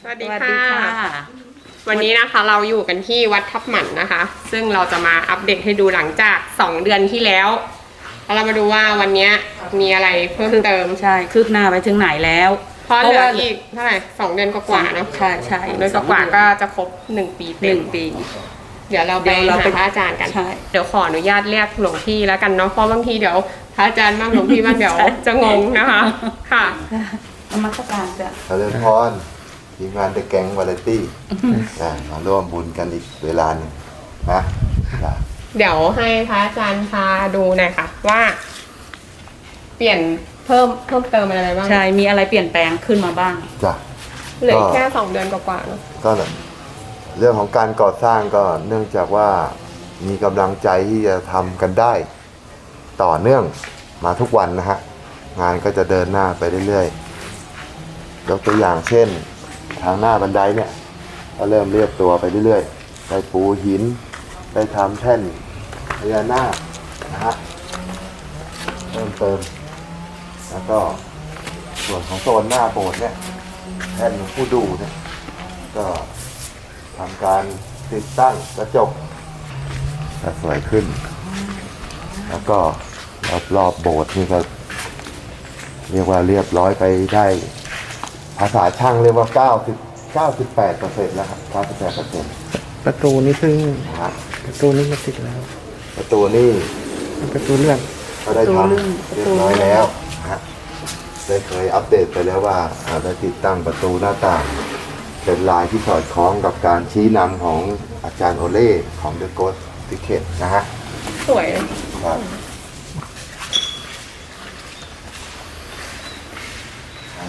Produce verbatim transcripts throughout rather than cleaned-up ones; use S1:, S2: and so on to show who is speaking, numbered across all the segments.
S1: สวัสดีค่ะวันนี้นะคะเราอยู่กันที่วัดทับหมันนะคะซึ่งเราจะมาอัปเดตให้ดูหลังจากสองเดือนที่แล้วแล้วเรามาดูว่าวันนี้มีอะไรเพิ่มเติม
S2: ใช่คืบหน้าไปถึงไหนแล้ว
S1: เพราะเหลืออีกเท่าไหร่สองเดือนกว่าๆเนาะ
S2: ใช่ใช่
S1: เดือนกว่าๆก็จะครบหนึ่งปีเต็ม
S2: หนึ่งปี
S1: เดี๋ยวเราไปหาพระอาจารย์กันเดี๋ยวขออนุญาตเรียกหลวงพี่แล้วกันเนาะเพราะบางทีเดี๋ยวพระอาจารย์บ้างหลวงพี่บ้างเดี๋ยวจะงงนะคะค่ะ
S2: นมัสการจ้ะ
S3: เจริญพรทีมงานเดอะแก๊งวาไรตี้มาร่วมบุญกันอีกเวลาหนึ่งนะ
S1: เดี๋ยวให้พระอาจารย์พาดูหน่อยค่ะว่า เปลี่ยนเพิ่มเพิ่มเติมอะไรบ้าง
S2: ใช่มีอะไรเปลี่ยนแปลงขึ้นมาบ้าง
S3: จ้ะ
S1: เหลือแค่สองเดือนกว่าๆเนาะ
S3: ก็เรื่องของการก่อสร้างก็เนื่องจากว่ามีกำลังใจที่จะทำกันได้ต่อเนื่องมาทุกวันนะฮะงานก็จะเดินหน้าไปเรื่อยๆยกตัวอย่างเช่นทางหน้าบันไดเนี่ยก็เริ่มเรียบตัวไปเรื่อยๆได้ปูหินได้ทำแท่นพญานาคนะฮะเพิ่มเติมแล้วก็ส่วนของโซนหน้าโบสถ์เนี่ยแท่นผู้ดูเนี่ยก็ทำการติดตั้งกระจกจะสวยขึ้นแล้วก็รอบรอบโบสถ์นี่ก็เรียกว่าเรียบร้อยไปได้ภาษาช่างเรียกว่าเก้าสิบ เก้าสิบแปดเปอร์เซ็นต์แล้วครับ เก้าสิบแปดเปอร์เซ็นต์
S4: ประตูนี่ซึ่งประตูนี้ก็ติดแล้ว
S3: ประตูนี่
S4: ประตูเลื่อน
S3: ก็ได้ทำเรียบร้อยแล้วฮะได้เคยอัปเดตไปแล้วว่าได้ติดตั้งประตูหน้าต่างเป็นลายที่สอดคล้องกับการชี้นำของอาจารย์โอเล่ของ The Ghost Ticket นะฮะ
S1: สวย
S3: ครับอัน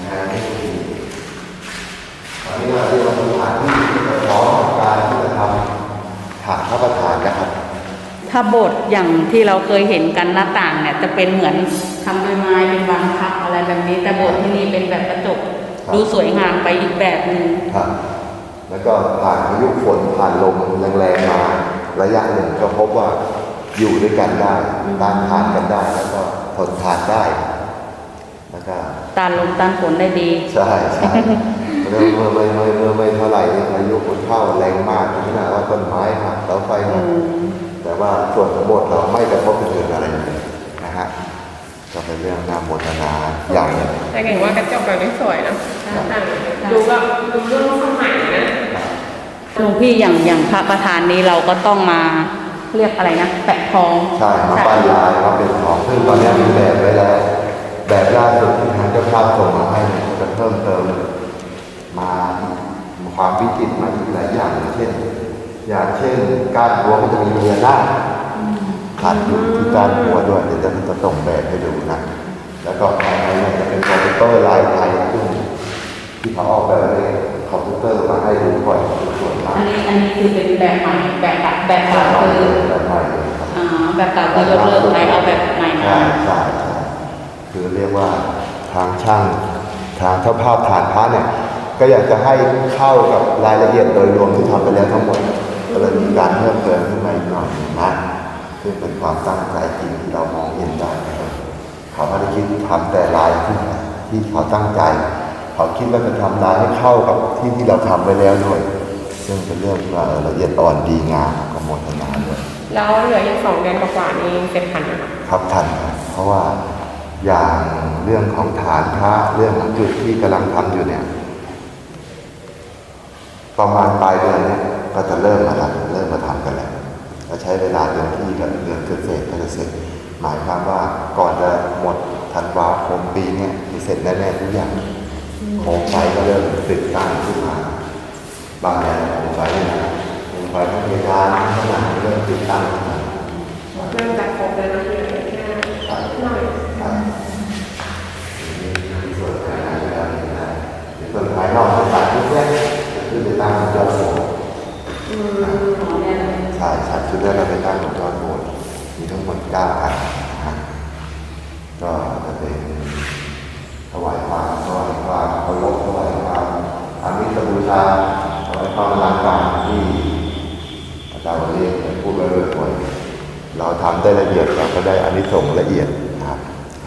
S3: นี้เราเรียกว่าสถานที่ที่พร้อมกับการที่จะทำฐานพระประธานนะครับ
S2: ถ้าโบสถ์อย่างที่เราเคยเห็นกันหน้าต่างเนี่ยจะเป็นเหมือนทำด้วยไม้เป็นบางพักอะไรแบบนี้แต่โบสถ์ที่นี่เป็นแบบกระจกดูสวยงามไปอีกแบบหนึ่ง
S3: ครับแล้วก็ผ่านพายุฝนผ่านลมแรงๆมาระยะหนึ่งก็พบว่าอยู่ด้วยกันได้ต้านทานกันได้แล้วก็ทนทานได้แล้วก็
S2: ต้านลมต้านฝนได้ดี
S3: ใช่ใช่เมื่อเมื่อไม่เมื่อเมื่อไม่เท่าไหร่พายุฝนเข้าแรงมากขนาดว่าต้นไม้หักเสาไฟหักแต่ว่าส่วนของโบสถ์เราไม่กระทบกระเทือนอะไรเลยนะฮะก็เป็นเรื่องน่าโมทนาอย่างนึง
S1: แต่เห็นว่ากระจกแบบนี้สวยนะดูแบบดูเรื่องสมัยนะ
S2: หลวงพี่อย่างอย่างพระประธานนี้เราก็ต้องมาเรียกอะไรนะแปะทอง
S3: ใช่มาป้ายลายมาเป็นของซึ่งตอนนี้มีแบบไว้แล้วแบบล่าสุดที่ทางเจ้าภาพส่งมาให้จะเพิ่มเติมมาความวิจิตรมาอีกหลายอย่างเช่นอย่างเช่นการหัวมันจะมีเรือหน้าขัดอยู่ที่การหัวด้วยเดี๋ยวจะจะส่งแบบให้ดูนะแล้วก็ภายในจะเป็นคอมพิวเตอร์ลายไทยซึ่งที่เขาออกแบบในคอมพิวเตอร์มาให้ดูก่อนส่วนมาก
S2: อันนี้อันนี้คือเป็นแบบใหม่แบบแบบแบบเก่าคือ
S3: แบบใหม่เลยครับ
S2: อ่าแบบเก่าก็ยกเลิกไปเอาแบบใหม่มา
S3: ใช่ใช่คือเรียกว่าทางช่างทางเจ้าภาพฐานพระเนี่ยก็อยากจะให้เข้ากับรายละเอียดโดยรวมที่ทำไปแล้วทั้งหมดก็เลยมีการเพิ่มเติมขึ้นมาอีกหน่อยนะซึ่งเป็นความตั้งใจจริงที่เรามองเห็นได้นะครับเขาไม่ได้คิดทำแต่ลายที่ที่เขาตั้งใจเขาคิดว่าจะทำลายให้เข้ากับที่ที่เราทำไว้แล้วด้วยซึ่งเป็นเรื่องที่ว่าละเอียดอ่อนดีงามกับโมทนาด้วย
S1: แล้วเหลืออีกสองเดือนกว่าๆนี้เสร็จทันไหม
S3: ครับทันครับเพราะว่าอย่างเรื่องของฐานพระเรื่องของจุดที่กำลังทำอยู่เนี่ยประมาณปลายเดือนนี้ก็จะเริ่มมาทำเริ่มมาทำกันแล้วเราใช้เวลาเดือนที่กับเดือนเกิดเสร็จก็จะเสร็จหมายความว่าก่อนจะหมดธันวาคมปีนี้มีเสร็จแน่ๆทุกอย่างโคมไฟก็เริ่มติดตั้งขึ้นมาบางอย่างโคมไฟนะโคมไฟทั้งเพดานทั้งหลังเริ่มติดตั้งขึ้นมา
S1: เริ่มจากครบแล้วนะเพียงแค่หน่อย
S3: มีส่วนภายในแล้วนะส่วนภายนอกต่างๆทุกอย่างคือไปตั้งยอดโบสถ์ใช่ใช่ชุดแรกเราไปตั้งยอดโบสถ์มีทั้งหมดเก้าอันก็จะเป็นถวายความถวายความเคารพถวายความอามิสบูชาถวายความรักการที่อาจารย์เรียกพูดไปเรื่อยๆเราทำได้ละเอียดเราก็ได้อานิสงส์ละเอียดนะครับ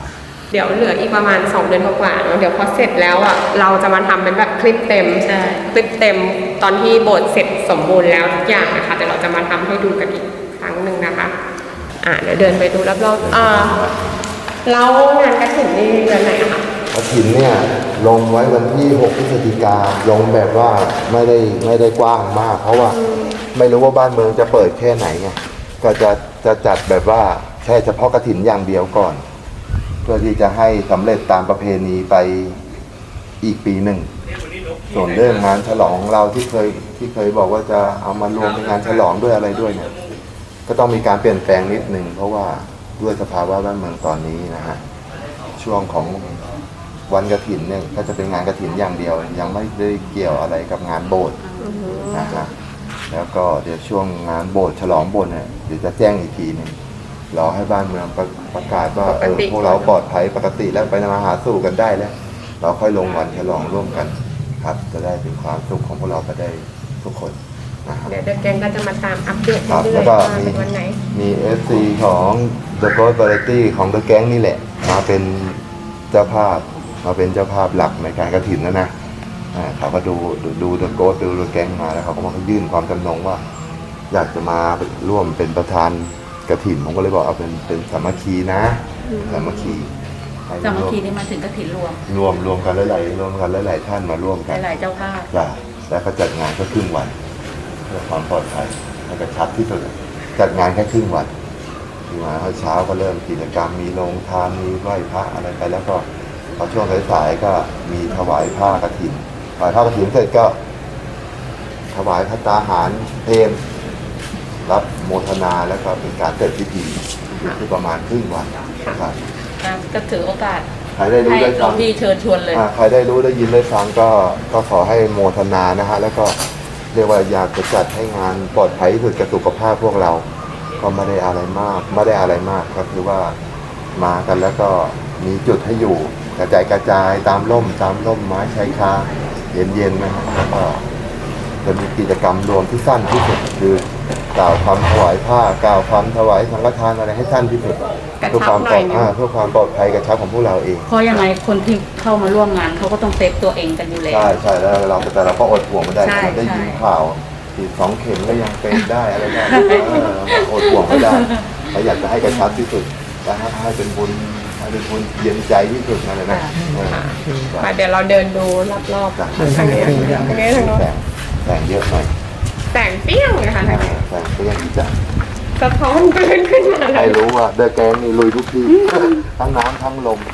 S1: เดี๋ยวเหลืออีกประมาณสองเดือนกว่าๆเนอะเดี๋ยวพอเสร็จแล้วอ่ะเราจะมาทำเป็นแบบคลิปเต็ม
S2: ใช่
S1: คลิปเต็มตอนที่โบสถ์เสร็จสมบูรณ์แล้วทุกอย่างนะคะแต่เราจะมาทำให้ดูกันอีกครั้งหนึ่งนะคะ อ่ะเดี๋ยวเดินไปดูรอบๆอ่าแล้วงานกระถิ่นนี่เดือนไหนอะคะ
S3: กฐินเนี่ยลงไว้วันที่หกพฤศจิกาลงแบบว่าไม่ได้ไม่ได้กว้างมาก เพราะว่าไม่รู้ว่าบ้านเมืองจะเปิดแค่ไหนไงก็จะจะจัดแบบว่าแค่เฉพาะกฐินอย่างเดียวก่อน เพื่อที่จะให้สำเร็จตามประเพณีไปอีกปีหนึ่ง ส่วนเรื่องงานฉลองของเราที่เคยที่เคยบอกว่าจะเอามารวมเป็นงานฉลองด้วยอะไรด้วยเนี่ยก็ต้องมีการเปลี่ยนแปลงนิดนึงเพราะว่าด้วยสภาวะบ้านเมืองตอนนี้นะฮะช่วงของวันกฐินเนี่ยก็จะเป็นงานกฐินอย่างเดียว ยังไม่ได้เกี่ยวอะไรกับงานโบสถ์นะฮะแล้วก็เดี๋ยวช่วงงานโบสถ์ฉลองโบสถ์เนี่ยเดี๋ยวจะแจ้งอีกทีหนึงรอให้บ้านเมืองประประกาศว่าเออพวกเราปลอดภัยปกติแล้วไปมาหาสู่กันได้แล้ว เราค่อยลงวันฉลองร่วมกันครับจะได้เป็นความสุขของพวกเราไปได้ทุกคนนะครับ
S1: เดี๋ยวเดอะแกงก็จะมาตามอัปเดต
S3: ครับ
S1: เรื่
S3: แล้
S1: อ
S3: วย ก็
S1: ๆว่า
S3: มี
S1: เป็นวันไหน
S3: มี เอฟ ซี ของ The Ghost Variety ของ The Gang นี่แหละ มาเป็นเจ้าภาพมาเป็นเจ้าภาพหลักในการกฐินนะนะอ่าเขาก็ดูดูดู The Ghost ดู The Gang มาแล้วเขาก็มายื่นความจำนงว่า อยากจะมาร่วมเป็นประธานกฐินผมก็เลยบอกเอาเป็นเป็นสามัคคีนะสามัคคีให้
S2: สามัคคี
S3: ร่ว
S2: นี่มาถึงกฐินรวม
S3: รวมรวมกันหลายๆรวมกันหลายๆท่านมาร่วมกัน
S2: หลายๆเจ้าภาพ
S3: จ้ะแล้วก็จัดงานแค่ครึ่งวันเพื่อความปลอดภัยและกระชับที่สุดจัดงานแค่ครึ่งวันที่มาเช้าก็เริ่มกิจกรรมมีโรงทานมีไหว้พระอะไรไปแล้วก็พอช่วงสายๆก็มีถวายผ้ากฐินถวายผ้ากฐินเสร็จก็ ถวายพระตาหารเพลรับโมทนาแล้วก็เป็นการเสร็จพิธีคือประมาณครึ่งวันนะครับ
S2: ก็ถือโอกาส
S3: ใครได้รู้
S2: ให้
S3: ได้
S2: หล
S3: ฟั
S2: วง
S3: ง
S2: พี่เชิญชวนเลย
S3: อ่าใครได้รู้ได้ยินได้ฟังก็ก็ขอให้โมทนานะฮะแล้วก็เรียกว่าอยากจะจัดให้งานปลอดภัยที่สุดกับสุขภาพพวกเรา ก็ไม่ได้อะไรมากไม่ได้อะไรมากก็คือว่ามากันแล้วก็มีจุดให้อยู่กระจายกระจายตามร่มตามร่มไม้ชายคาเย็นๆนะฮะแล้วก็จะมีกิจกรรมรวมที่สั้นที่สุดคือกล่าวคำถวายผ้ากล่าวคำถวายสังฆทานอะไรให้สั้นที่สุด
S1: กระ
S3: เพื่อ
S1: ชั
S3: ค
S1: บ
S3: วาม
S1: ห
S3: ป
S1: น่
S3: ล
S1: อ
S3: อย ด
S1: นึง
S3: อ่าเพื่อความปลอดภัยกระชับของพวกเราเอง
S2: เพราะยังไงคนที่เข้ามาร่วมงานเขาก็ต้องเซฟตัวเองกันอยู่แล้ว
S3: ใช่ใช่แล้วเราแต่เราก็อดห่วงไม่ได้
S2: ใช่
S3: ได้ยิน
S2: ใช่
S3: ข่าวฉีดสองเข็มก็ยังเป็นได้อะไรได้เอออดห่วงไม่ได้เราอยากจะให้กระชับที่สุดและให้ให้เป็นบุญให้เป็นบุญเย็นใจที่สุดนั่นเลยนะเออ
S1: มาเดี๋ยวเราเดินดูรอบ
S3: จ้ะ
S1: ๆทางนี้ทางนี้ทางนี้ทางโน้น
S3: แสงแสงเยอะหน่อย
S1: แสงเปรี้ยวเลยค่ะทางนี้
S3: แสงก็ยังจะ
S1: สะท้อนขึ้นขึ้นมาเล
S3: ให้
S1: ย
S3: รู้ว่าเดอะแกงนี่ลุยทุกที่ทั้งน้ำทั้งลม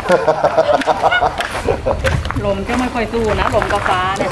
S2: ลมก็ไม่ค่อยสู้นะลมกับฟ้าเนี่ย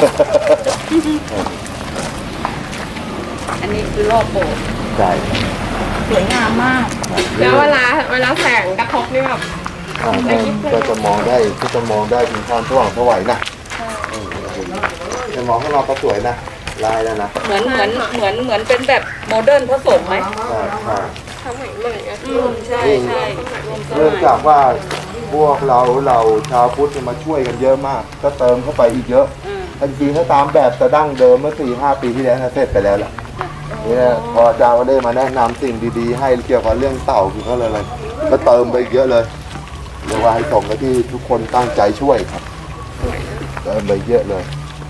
S2: อันนี้คือรอบโบสถ์
S3: ใช่
S2: สวยงามมาก
S1: แล้วเวลาเวลาแสงกระทบนี่แบบ
S3: อ่าก็จะมองได้ก็จะมองได้ถึงความสว่างสวยนะเออจะมองข้างนอกก็สวยนะลายแล้วนะ
S2: เหมือนเหมือนเหมือนเหมือนเป็นแบบโมเดิร์นผสมไหม
S3: ใช่ใช่
S1: ทำใหม่ใหม่อะ
S2: อืมใช่ใช่รวมส
S3: เนื่อง
S2: มัย
S3: จากว่าพวกเราเราชาวพุทธเนี่ยมาช่วยกันเยอะมาก ก็เติมเข้าไปอีกเยอะ
S2: อืม
S3: จริงๆถ้าตามแบบแต่ดั้งเดิมเมื่อสี่ห้าปีที่แล้วนะเสร็จไปแล้วล่ะนี่นะพออาจารย์ก็ได้มาแนะนำสิ่งดีๆ ให้เกี่ยวกับเรื่องเต่าคือเขาเลยอะไรก็เติมไปอีกเยอะเลยเรียกว่าให้สมกับที่ทุกคนตั้งใจช่วยครับเติมไปเยอะเลย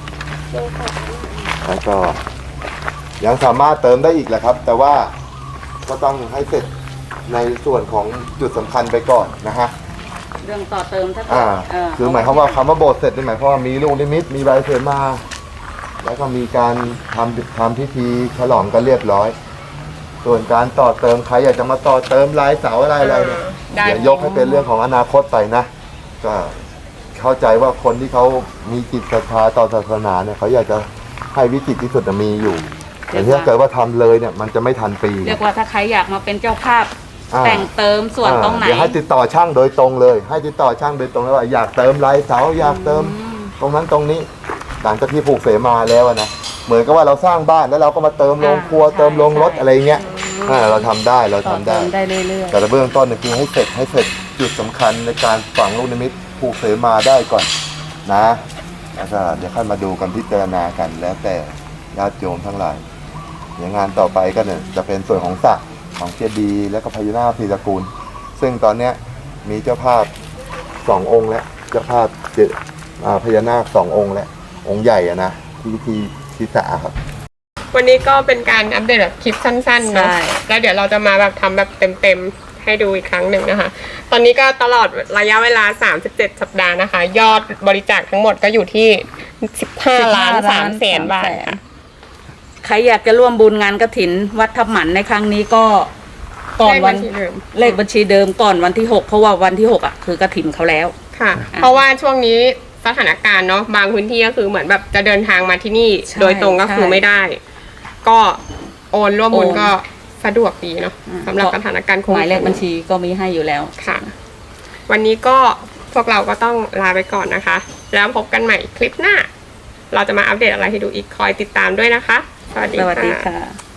S3: แล้วก็ยังสามารถเติมได้อีกแหละครับ แต่ว่าก็ต้องให้เสร็จในส่วนของจุดสำคัญไปก่อนนะฮะ
S2: เรื่องต่อเติมถ้า
S3: อ่า
S2: เ
S3: คือหมายความว่าคำว่าโบสถ์เสร็จนี่หมายความว่ามีลูกนิมิตมีใบเสมา แล้วก็มีการทำทำพิธีฉลองกันเรียบร้อย ส่วนการต่อเติมใครอยากจะมาต่อเติมลายเสาอะไรอะไรเนี่ย
S1: ได้
S3: เดี๋ยวยกให้เป็นเรื่องของอนาคตไปนะ ก็เข้าใจว่าคนที่เขามีจิตศรัทธาต่อศาสนาเนี่ยเขาอยากจะให้วิจิตรที่สุดน่ะมีอยู่ แต่ถ้าเกิดว่าทำเลยเนี่ยมันจะไม่ทันปี
S2: เรียกว่าถ้าใครอยากมาเป็นเจ้าภาพ
S3: อ่า
S2: แต่งเติมส่วนตรงไหน
S3: เดี๋ยวให้ติดต่อช่างโดยตรงเลย ให้ติดต่อช่างโดยตรงเลยว่าอยากเติมลายเสาอยากเติมตรงนั้นตรงนี้หลังจากที่ผูกเสมาแล้วอะนะเหมือนกับว่าเราสร้างบ้านแล้วเราก็มาเติมโรงครัว
S2: อ่าใช่
S3: เติมโรงรถ
S2: ใช่
S3: อะไรเงี้ยอ่าเราทำได้เรา
S2: ต่อ
S3: ทำ
S2: เติ
S3: ได้
S2: มได้เรื่อย
S3: แต่เบื้องต้นเนี่ยคือให้เสร็จให้เสร็จจุดสำคัญในการฝังลูกนิมิตผูกเสมาได้ก่อนนะแล้วก็เดี๋ยวค่อยมาดูกันพิจารณากันแล้วแต่ญาติโยมทั้งหลายเดี๋ยวงานต่อไปก็เนี่ยจะเป็นส่วนของสระของเจดีย์แล้วก็พญานาคสีตระกูล ซึ่งตอนเนี้ยมีเจ้าภาพสององค์แล้วเจ้าภาพเจอ่าพญานาคสององค์แล้วองค์ใหญ่อะนะที่ที่ที่สาครับ
S1: วันนี้ก็เป็นการอัปเดตแบบคลิปสั้นๆเนาะ
S2: ใช่
S1: แล้วเดี๋ยวเราจะมาแบบทำแบบเต็มๆให้ดูอีกครั้งหนึ่งนะคะ ตอนนี้ก็ตลอดระยะเวลาสามสิบเจ็ดสัปดาห์นะคะ ยอดบริจาคทั้งหมดก็อยู่ที่สิบห้าล้านสามแสนบาทค่ะ
S2: ใครอยากจะร่วมบุญงานกฐินวัดทับหมันในครั้งนี้ก็ก่อนวัน
S1: เลขบัญชีเดิม
S2: เลขบัญชีเดิมก่อนวันที่หกเพราะว่าวันที่หกอ่ะคือกฐินเขาแล้ว
S1: ค่ะ
S2: อ่ะ
S1: เพราะว่าช่วงนี้สถานการณ์เนาะบางพื้นที่ก็คือเหมือนแบบจะเดินทางมาที่นี่
S2: ใช่
S1: โดยตรงก็คือ
S2: ใช่
S1: ไม่ได้ ก็โอนร่วมบุญ
S2: โอน
S1: ก็สะดวกดีเนาะ
S2: อ่า
S1: สำหรับสถานการณ์โควิด
S2: หมายเลขบัญชีก็มีให้อยู่แล้ว
S1: ค่ะ วันนี้ก็พวกเราก็ต้องลาไปก่อนนะคะ แล้วพบกันใหม่คลิปหน้า เราจะมาอัปเดตอะไรให้ดูอีกคอยติดตามด้วยนะคะ สวัสดี
S2: สวัสดี
S1: ค่ะ
S2: ค่ะ